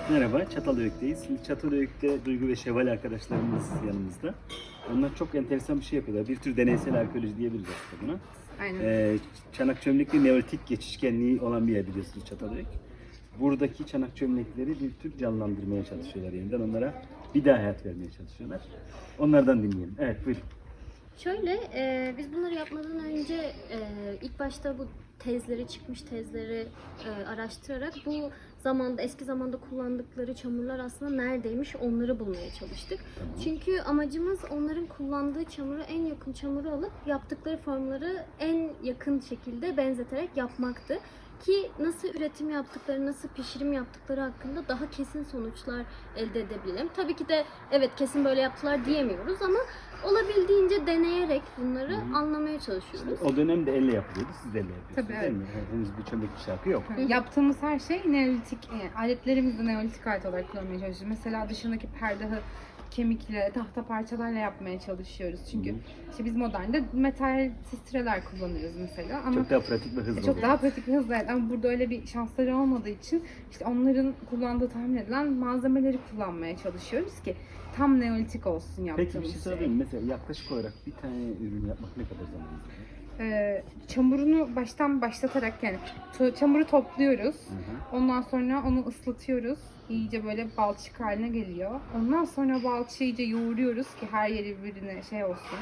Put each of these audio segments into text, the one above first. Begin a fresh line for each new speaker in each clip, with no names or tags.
Merhaba, Çatalhöyük'teyiz. Şimdi Çatalhöyük'te Duygu ve Şevval arkadaşlarımız yanımızda. Onlar çok enteresan bir şey yapıyorlar. Bir tür deneysel arkeoloji diyebiliriz aslında buna.
Aynen.
Çanak çömlekli Neolitik geçişkenliği olan bir yer biliyorsunuz Çatalhöyük. Buradaki çanak çömlekleri bir tür canlandırmaya çalışıyorlar yeniden. Onlara bir daha hayat vermeye çalışıyorlar. Onlardan dinleyelim. Evet, buyurun.
Şöyle, biz bunları yapmadan önce ilk başta bu çıkmış tezleri araştırarak bu eski zamanda kullandıkları çamurlar aslında neredeymiş onları bulmaya çalıştık.
Tamam.
Çünkü amacımız onların kullandığı çamuru, en yakın çamuru alıp yaptıkları formları en yakın şekilde benzeterek yapmaktı. Ki nasıl üretim yaptıkları, nasıl pişirim yaptıkları hakkında daha kesin sonuçlar elde edebilelim. Tabii ki de evet kesin böyle yaptılar diyemiyoruz ama olabildiğince deneyerek bunları anlamaya çalışıyoruz.
O dönemde elle yapılıyordu, siz de elle yapıyorsunuz
Tabii,
değil
evet.
mi? Henüz bir çömlek şarkı yok.
Yaptığımız her şey Neolitik, aletlerimizi de Neolitik alet olarak kullanmaya çalışıyoruz. Mesela dışındaki perdahı kemikle, tahta parçalarla yapmaya çalışıyoruz. Çünkü işte biz modernde metal sistreler kullanıyoruz mesela. Ama
Çok daha pratik ve hızlı
çok
oluyor.
daha pratik ve hızlı. Evet. Ama burada öyle bir şansları olmadığı için işte onların kullandığı tahmin edilen malzemeleri kullanmaya çalışıyoruz ki tam Neolitik olsun yaptığımız
Peki bir şey
şey.
sorayım. Mesela yaklaşık olarak bir tane ürün yapmak ne kadar zaman alıyor?
Çamurunu baştan başlatarak yani çamuru topluyoruz.
Hı hı.
Ondan sonra onu ıslatıyoruz. İyice böyle balçık haline geliyor. Ondan sonra balçığı iyice yoğuruyoruz ki her yeri birbirine şey olsun.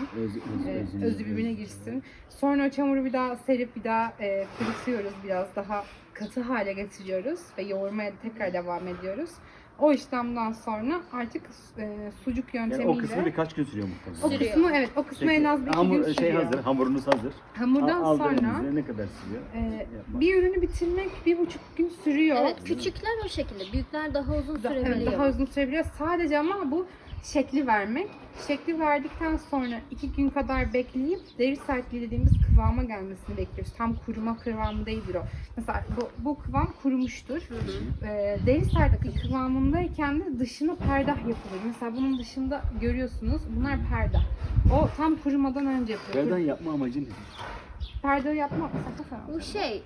Özü birbirine girsin. Sonra o çamuru bir daha serip bir daha kurutuyoruz. Biraz daha katı hale getiriyoruz ve yoğurmaya tekrar devam ediyoruz. O işlemden sonra artık sucuk
Yani
yöntemiyle...
o kısmı birkaç gün sürüyor muhtemelen.
O kısmı evet, o kısmı en az bir iki gün sürüyor.
hazır, hamurunuz hazır.
Hamurdan
Aldığınız
sonra
üzere ne kadar sürüyor? Yapmak.
bir ürünü bitirmek 1,5 gün sürüyor.
Evet, küçükler o şekilde, büyükler daha uzun sürebiliyor.
Evet, daha uzun sürebiliyor. Sadece ama bu şekli vermek. Şekli verdikten sonra 2 gün kadar bekleyip deri sertliği dediğimiz kıvama gelmesini bekliyoruz. Tam kuruma kıvamı değildir o. Mesela bu kıvam kurumuştur. Deri sertliği kıvamındayken de dışına perdah yapılır. Mesela bunun dışında görüyorsunuz bunlar perdah. O tam kurumadan önce yapılır.
Yerden yapma amacı nedir?
Perde yapmak
Bu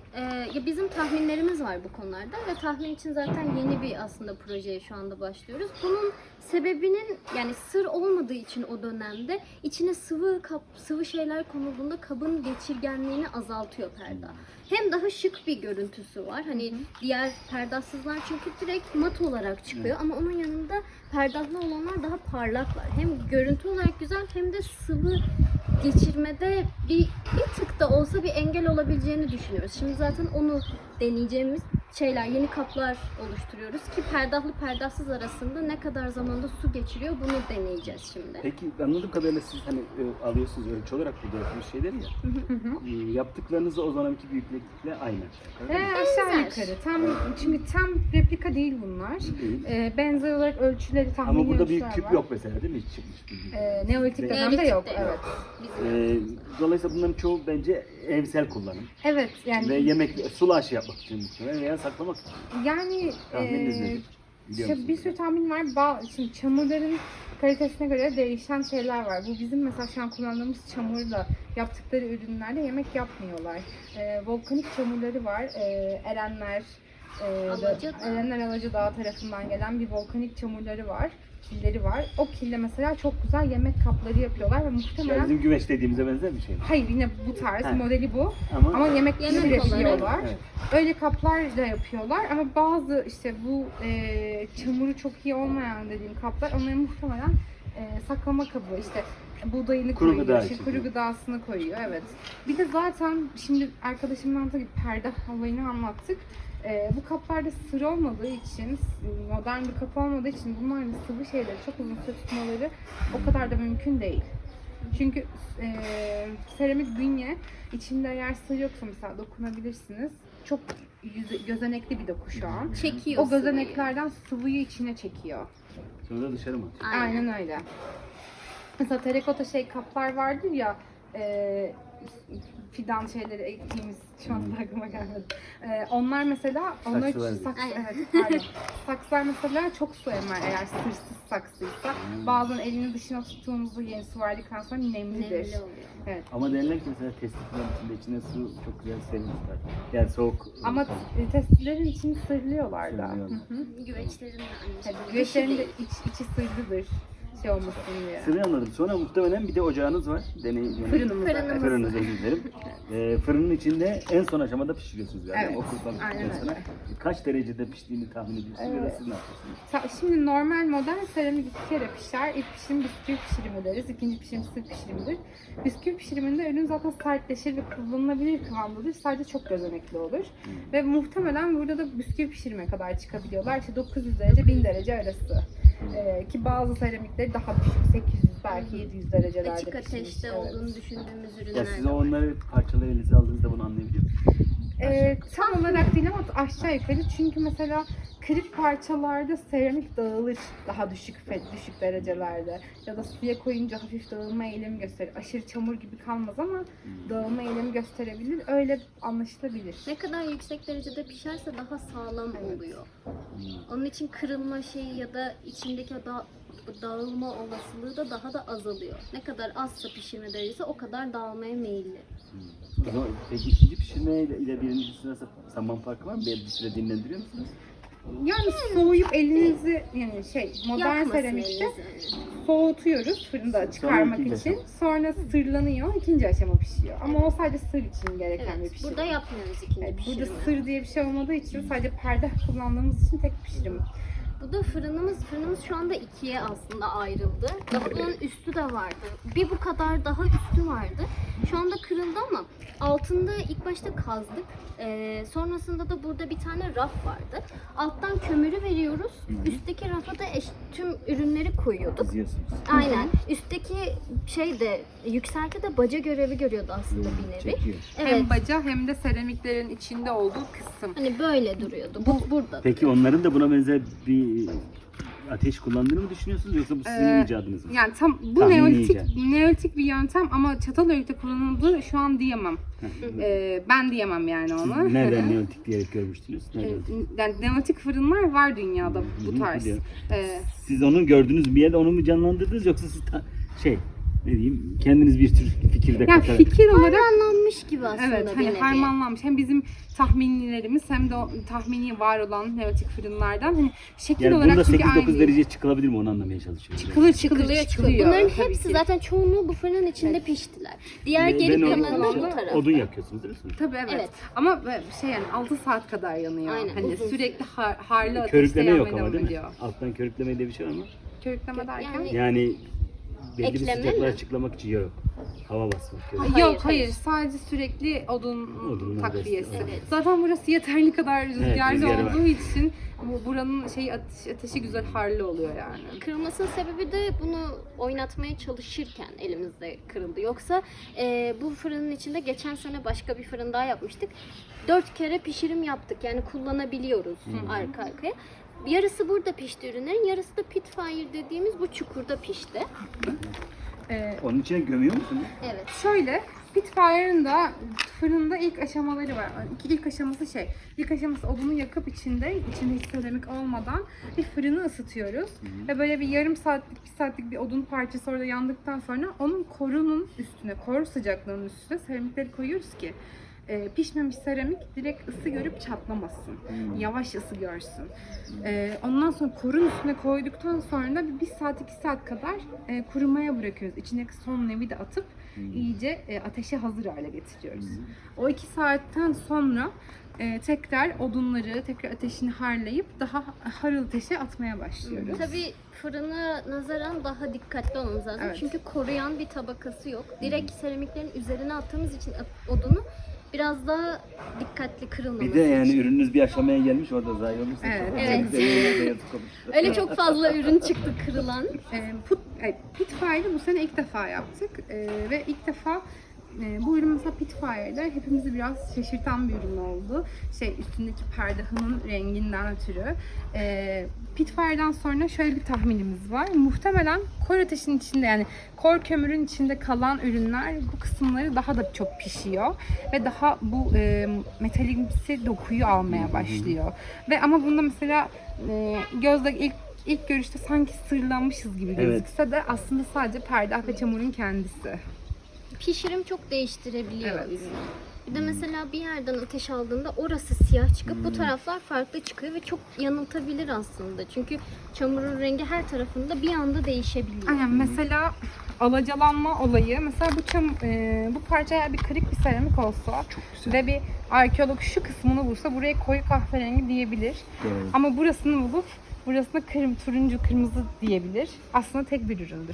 ya bizim tahminlerimiz var bu konularda ve tahmin için zaten yeni bir aslında projeye şu anda başlıyoruz. Bunun sebebinin yani sır olmadığı için o dönemde içine sıvı şeyler konulduğunda kabın geçirgenliğini azaltıyor perde. Hem daha şık bir görüntüsü var. Hani diğer perdahsızlar çünkü direkt mat olarak çıkıyor ama onun yanında perdahlı olanlar daha parlaklar. Hem görüntü olarak güzel hem de sıvı geçirmede bir tık da olsa bir engel olabileceğini düşünüyoruz. Şimdi zaten onu deneyeceğimiz yeni kaplar oluşturuyoruz ki perdahlı perdahsız arasında ne kadar zamanda su geçiriyor bunu deneyeceğiz şimdi.
Peki anladığım kadarıyla siz hani alıyorsunuz ölçü olarak burada yaptığınız şeyleri ya. Yaptıklarınızı o zamanki büyüklükle aynı.
aşağı
Benzer.
yukarı. Çünkü tam replika değil bunlar.
Değil.
Benzer olarak ölçüleri tahmini
Ama burada
ölçüler
büyük küp
var.
yok mesela değil mi? Hiç çıkmış bir büyük.
Neolitik dönemde
Neolitik'te
yok.
yok.
Evet.
Dolayısıyla bunların çoğu bence evsel kullanım.
Evet yani
Ve yemek, sulu aşı yapmak için muhtemelen veya saklamak için.
yani
Tahmininiz nedir? Biliyor
işte
musunuz?
bir sürü tahmin var. Şimdi çamurların kalitesine göre değişen şeyler var. Bu bizim mesela şu an kullandığımız çamurla yaptıkları ürünlerde yemek yapmıyorlar. Volkanik çamurları var. Erenler Alacadağ tarafından gelen bir volkanik çamurları var. Killeri var. O kille mesela çok güzel yemek kapları yapıyorlar ve
Yani
muhtemelen
bizim güveç dediğimize benzer bir şey mi?
hayır yine bu tarz
Ha.
modeli bu.
Ama,
Ama yemek
Yemek
yapıyorlar.
Evet.
Öyle kaplar da yapıyorlar ama bazı işte bu çamuru çok iyi olmayan dediğim kaplar onların muhtemelen saklama kabı işte buğdayını
Kuru
koyuyor,
gıda
işte
için.
kuru gıdasını koyuyor evet. Bir de zaten şimdi arkadaşımın anlattığı gibi perde olayını anlattık. Bu kaplarda sır olmadığı için, modern bir kapı olmadığı için bunların sıvı şeyleri çok uzun süre tutmaları o kadar da mümkün değil. Çünkü seramik bünye içinde eğer sır yoksa mesela dokunabilirsiniz. Çok gözenekli bir doku şu an.
Çekiyor
O gözeneklerden sıvıyı içine çekiyor.
Sonra da dışarı mı atıyor?
Aynen öyle. Mesela terakota kaplar vardır ya fidan şeyleri ektiğimiz şu an aklıma gelmedi. Onlar mesela onlar
Saksılar.
Aynen.
evet, pardon. Saksılar mesela çok su emer eğer sırsız saksıysa. Bazen elini dışına tuttuğumuzda yeni su verdikten sonra nemlidir.
Nemli oluyor.
Evet.
Ama derler ki mesela testifilerin içinde içine su çok güzel serin tutar. Yani soğuk.
Ama testilerin içini sırlıyorlar da.
Sırlıyorlar.
Hı hı.
Güveçlerin de aynı
Evet,
şekilde.
güveçlerin de
Dışı değil.
içi sırlıdır. Şey olmasın diye.
Sırrı anladım. Sonra muhtemelen bir de ocağınız var.
Fırınımız.
Fırınımız.
Fırınınız, özür dilerim. Fırının içinde en son aşamada pişiriyorsunuz galiba.
Evet,
O kurban
aynen
piştikten sonra.
öyle.
Kaç derecede piştiğini tahmin ediyorsunuz ya da siz ne yapıyorsunuz?
Şimdi normal modern seramik 2 kere pişer. İlk pişirim bisküvi pişirimi deriz. İkinci pişirim sır pişirimidir. Bisküvi pişiriminde ürün zaten sertleşir ve kullanılabilir kıvamdadır. Sadece çok gözenekli olur. Ve muhtemelen burada da bisküvi pişirime kadar çıkabiliyorlar. İşte 900 derece 1000 derece arası. Ki bazı seramikleri daha düşük 800 belki 700 derecelerde
Açık
pişmiş.
ateşte
Evet.
olduğunu düşündüğümüz
Ya
ürünler
siz
de var.
onları parçaları elinize aldığınızda bunu anlayabiliyor musunuz?
Tam olarak değil ama aşağı yukarı çünkü mesela kırık parçalarda seramik dağılır daha düşük derecelerde ya da suya koyunca hafif dağılma eğilimi gösterir. Aşırı çamur gibi kalmaz ama dağılma eğilimi gösterebilir. Öyle anlaşılabilir.
Ne kadar yüksek derecede pişerse daha sağlam
Evet.
oluyor. Onun için kırılma şeyi ya da içindeki dağılma olasılığı da daha da azalıyor. Ne kadar azsa pişirme derecesi o kadar dağılmaya meyilli.
O zaman peki ikinci pişirme ile birincisi arasında zaman farkı var mı? Bir süre dinlendiriyor musunuz?
Yani soğuyup elinizi yani modern
Yakmasın
seramikte
elinizi.
soğutuyoruz fırında çıkarmak
ikinci
için.
aşama.
Sonra sırlanıyor, ikinci aşama pişiyor. Ama o sadece sır için gereken bir
Evet,
pişirim.
burada yapmıyoruz ikinci
Evet,
pişirimi.
burada sır diye bir şey olmadığı için sadece perde kullandığımız için tek pişirim.
Bu da fırınımız şu anda ikiye aslında ayrıldı. Daha bunun üstü de vardı. Bir bu kadar daha üstü vardı. Şu anda kırıldı ama altında ilk başta kazdık. Sonrasında da burada bir tane raf vardı. Alttan kömürü veriyoruz. Üstteki rafa da tüm ürünleri koyuyorduk.
Diziyorsunuz.
Aynen. Üstteki şey de yükselti de baca görevi görüyordu aslında bir nevi.
Çekiyor.
Evet.
Hem baca hem de seramiklerin içinde olduğu kısım.
Hani böyle duruyordu. Bu burada.
Peki onların da buna benzer bir ateş kullandığını mı düşünüyorsunuz yoksa bu sizin icadınız mı?
Yani tam bu
Tahmini icat.
neolitik bir yöntem ama Çatalhöyük'te kullanıldığı şu an diyemem. Ben diyemem yani onu.
Siz nereden neolitik diyerek görmüştünüz? Nereden?
Yani neolitik fırınlar var dünyada bu tarz.
biliyorum.
Ee,
Siz onu gördünüz bir yerde onu mu canlandırdınız yoksa siz ne diyeyim kendiniz bir tür fikirde
yani
katarak.
fikir olarak
Harmanlanmış gibi aslında
evet
bir
hani
nevi.
harmanlanmış hem bizim tahminlerimiz hem de o tahmini var olan neolitik fırınlardan hani şekil
Yani
olarak
bunda
çünkü
8-9
aynı.
dereceye çıkılabilir mi onu anlamaya çalışıyorum.
Çıkılıyor. Bunların
tabii
hepsi
ki.
zaten çoğunluğu bu fırının içinde piştiler. Diğer geri kalanı bu tarafta.
Odun yakıyorsunuz değil mi?
Tabii evet.
Evet.
Ama yani 6 saat kadar yanıyor.
Aynen,
Hani
uzun
sürekli harlı ateşte
Körükleme yok
yanmaya
ama
devam
değil mi?
ediyor.
Alttan körükleme diye bir şey var mı?
Körükleme derken?
Yani-
Yani belli bir
Ekleme
sıcaklığı
mi?
açıklamak için yok. Hava basmak.
Hayır,
Yok
hayır.
sadece sürekli odun
Odunun
takviyesi.
adresi,
evet.
Zaten burası yeterli kadar rüzgarlı
rüzgarı var.
olduğu için buranın ateşi güzel harlı oluyor yani.
Kırılmasının sebebi de bunu oynatmaya çalışırken elimizde kırıldı. Yoksa bu fırının içinde geçen sene başka bir fırın daha yapmıştık. 4 kere pişirim yaptık. Yani kullanabiliyoruz arka arkaya. Yarısı burada pişti ürünlerin, yarısı da pit fire dediğimiz bu çukurda pişti.
Onun içine gömüyor musunuz?
Evet.
Şöyle Spitfire'ın da fırında ilk aşamaları var. İlk aşaması İlk aşaması odunu yakıp içinde hiç seramik olmadan bir fırını ısıtıyoruz. Ve böyle bir yarım saatlik, bir saatlik bir odun parçası orada yandıktan sonra onun korunun üstüne, kor sıcaklığının üstüne seramikleri koyuyoruz ki pişmemiş seramik direkt ısı görüp çatlamasın. Yavaş ısı görsün. Ondan sonra korun üstüne koyduktan sonra da bir saat 2 saat kadar kurumaya bırakıyoruz. İçindeki son nevi de atıp iyice ateşe hazır hale getiriyoruz. O 2 saatten sonra tekrar odunları tekrar ateşini harlayıp daha harıl ateşe atmaya başlıyoruz.
Tabii fırına nazaran daha dikkatli olmamız lazım.
Evet.
Çünkü koruyan bir tabakası yok. Direkt seramiklerin üzerine attığımız için odunu biraz daha dikkatli kırılmaması
Bir de yani
için.
ürününüz bir aşamaya gelmiş orada zayi olursa.
Evet.
Evet. Öyle çok fazla ürün çıktı kırılan.
Pitfire'ı bu sene ilk defa yaptık ve ilk defa bu ürün mesela Pitfire'da hepimizi biraz şaşırtan bir ürün oldu. Üstündeki perdehanın renginden ötürü. Pitfire'dan sonra şöyle bir tahminimiz var. Muhtemelen kor ateşin içinde, yani kor kömürün içinde kalan ürünler bu kısımları daha da çok pişiyor ve daha bu metalimsi dokuyu almaya başlıyor. Ve ama bunda mesela gözle ilk görüşte sanki sırlanmışız gibi gözükse de aslında sadece perde ve çamurun kendisi.
Pişirim çok değiştirebiliyor
Evet.
ürünü. Bir de mesela bir yerden ateş aldığında orası siyah çıkıp bu taraflar farklı çıkıyor ve çok yanıltabilir aslında. Çünkü çamurun rengi her tarafında bir anda değişebiliyor.
Aynen, mesela alacalanma olayı, mesela bu parça eğer bir kırık bir seramik olsa ve bir arkeolog şu kısmını bulsa buraya koyu kahverengi diyebilir.
Doğru.
Ama burasını bulup burasına turuncu kırmızı diyebilir. Aslında tek bir üründür.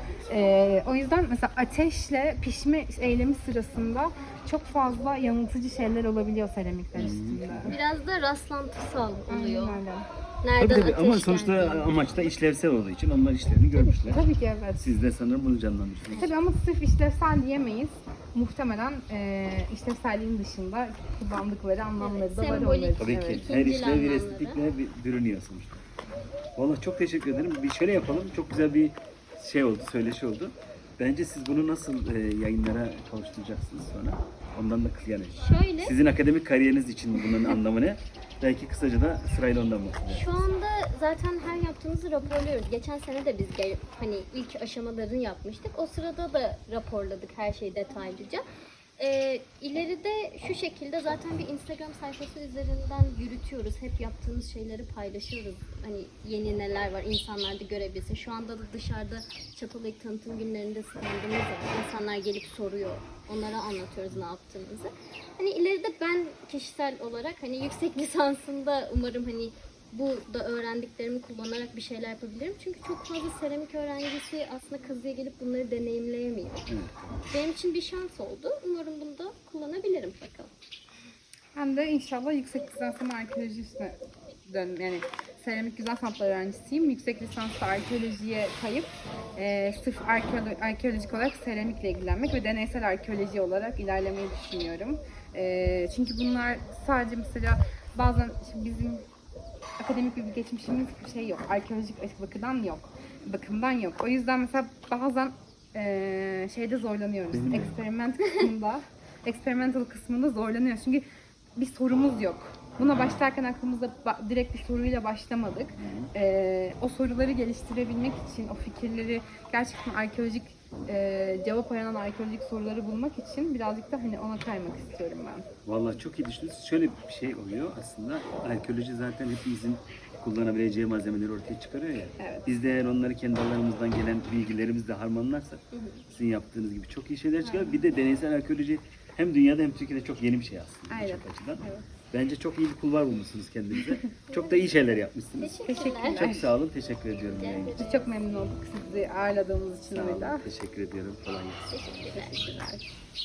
O yüzden mesela ateşle pişme eylemi sırasında çok fazla yanıltıcı şeyler olabiliyor seramikler üstünde.
Biraz da rastlantısal oluyor.
Aynen öyle.
Nereden
Tabii,
ateş
ama sonuçta
geldiğini.
amaç da işlevsel olduğu için onlar işlerini görmüşler.
Tabii ki evet.
Siz de sanırım bunu canlandırırsınız.
Tabii ama sırf işlevsel diyemeyiz. Muhtemelen işlevselliğin dışında kullandıkları anlamları da var
sembolik.
onların.
Tabii ki.
Evet.
Her
İkincil
işlev bir
anlamda
estetikle bürünüyor sonuçta. Vallahi çok teşekkür ederim. Bir şöyle yapalım. Çok güzel bir oldu, söyleşi oldu. Bence siz bunu nasıl yayınlara kavuşturacaksınız sonra? Ondan da yani
Şöyle,
sizin akademik kariyeriniz için bunun anlamı ne? Belki kısaca da sırayla ondan bahsedelim.
şu anda zaten her yaptığımızı raporluyoruz. Geçen sene de biz hani ilk aşamalarını yapmıştık. O sırada da raporladık her şeyi detaylıca. İleride şu şekilde zaten bir Instagram sayfası üzerinden yürütüyoruz. Hep yaptığımız şeyleri paylaşıyoruz. Hani yeni neler var, insanlar da görebilsin. Şu anda da dışarıda Çatalhöyük tanıtım günlerinde standımız var. İnsanlar gelip soruyor. Onlara anlatıyoruz ne yaptığımızı. Hani ileride ben kişisel olarak hani yüksek lisansında umarım hani bu da öğrendiklerimi kullanarak bir şeyler yapabilirim. Çünkü çok fazla seramik öğrencisi aslında kazıya gelip bunları deneyimleyemiyor.
Evet.
Benim için bir şans oldu. Umarım bunu da kullanabilirim bakalım.
Ben de inşallah yüksek lisansımı arkeoloji üstüne yani seramik güzel sanatlar öğrencisiyim. Yüksek lisansta arkeolojiye kayıp sırf arkeolojik olarak seramikle ilgilenmek ve deneysel arkeoloji olarak ilerlemeyi düşünüyorum. Çünkü bunlar sadece mesela bazen bizim akademik bir geçmişimiz yok. Arkeolojik bakımdan yok. O yüzden mesela bazen şeyde zorlanıyoruz. Experimental kısmında zorlanıyoruz. Çünkü bir sorumuz yok. Buna başlarken aklımızda direkt bir soruyla başlamadık. O soruları geliştirebilmek için, o fikirleri gerçekten arkeolojik cevap aranan arkeolojik soruları bulmak için birazcık da hani ona kaymak istiyorum ben.
Vallahi çok iyi düşündünüz. Şöyle bir şey oluyor aslında. Arkeoloji zaten hepimizin kullanabileceği malzemeleri ortaya çıkarıyor ya.
Evet.
Biz de eğer onları kendi alanımızdan gelen bilgilerimizle harmanlarsak sizin yaptığınız gibi çok iyi şeyler çıkar. Bir de deneysel arkeoloji hem dünyada hem Türkiye'de çok yeni bir şey aslında.
Aynen.
Birçok açıdan.
Evet.
Bence çok iyi bir kulvar bulmuşsunuz kendinize. Çok da iyi şeyler yapmışsınız.
Teşekkürler.
Çok sağ olun. Teşekkür ediyorum. yayın için.
Biz çok memnun olduk sizi ağırladığımız için
Sağ olun.
orada.
Teşekkür ediyorum. Kolay gelsin.
Teşekkürler.
Teşekkürler.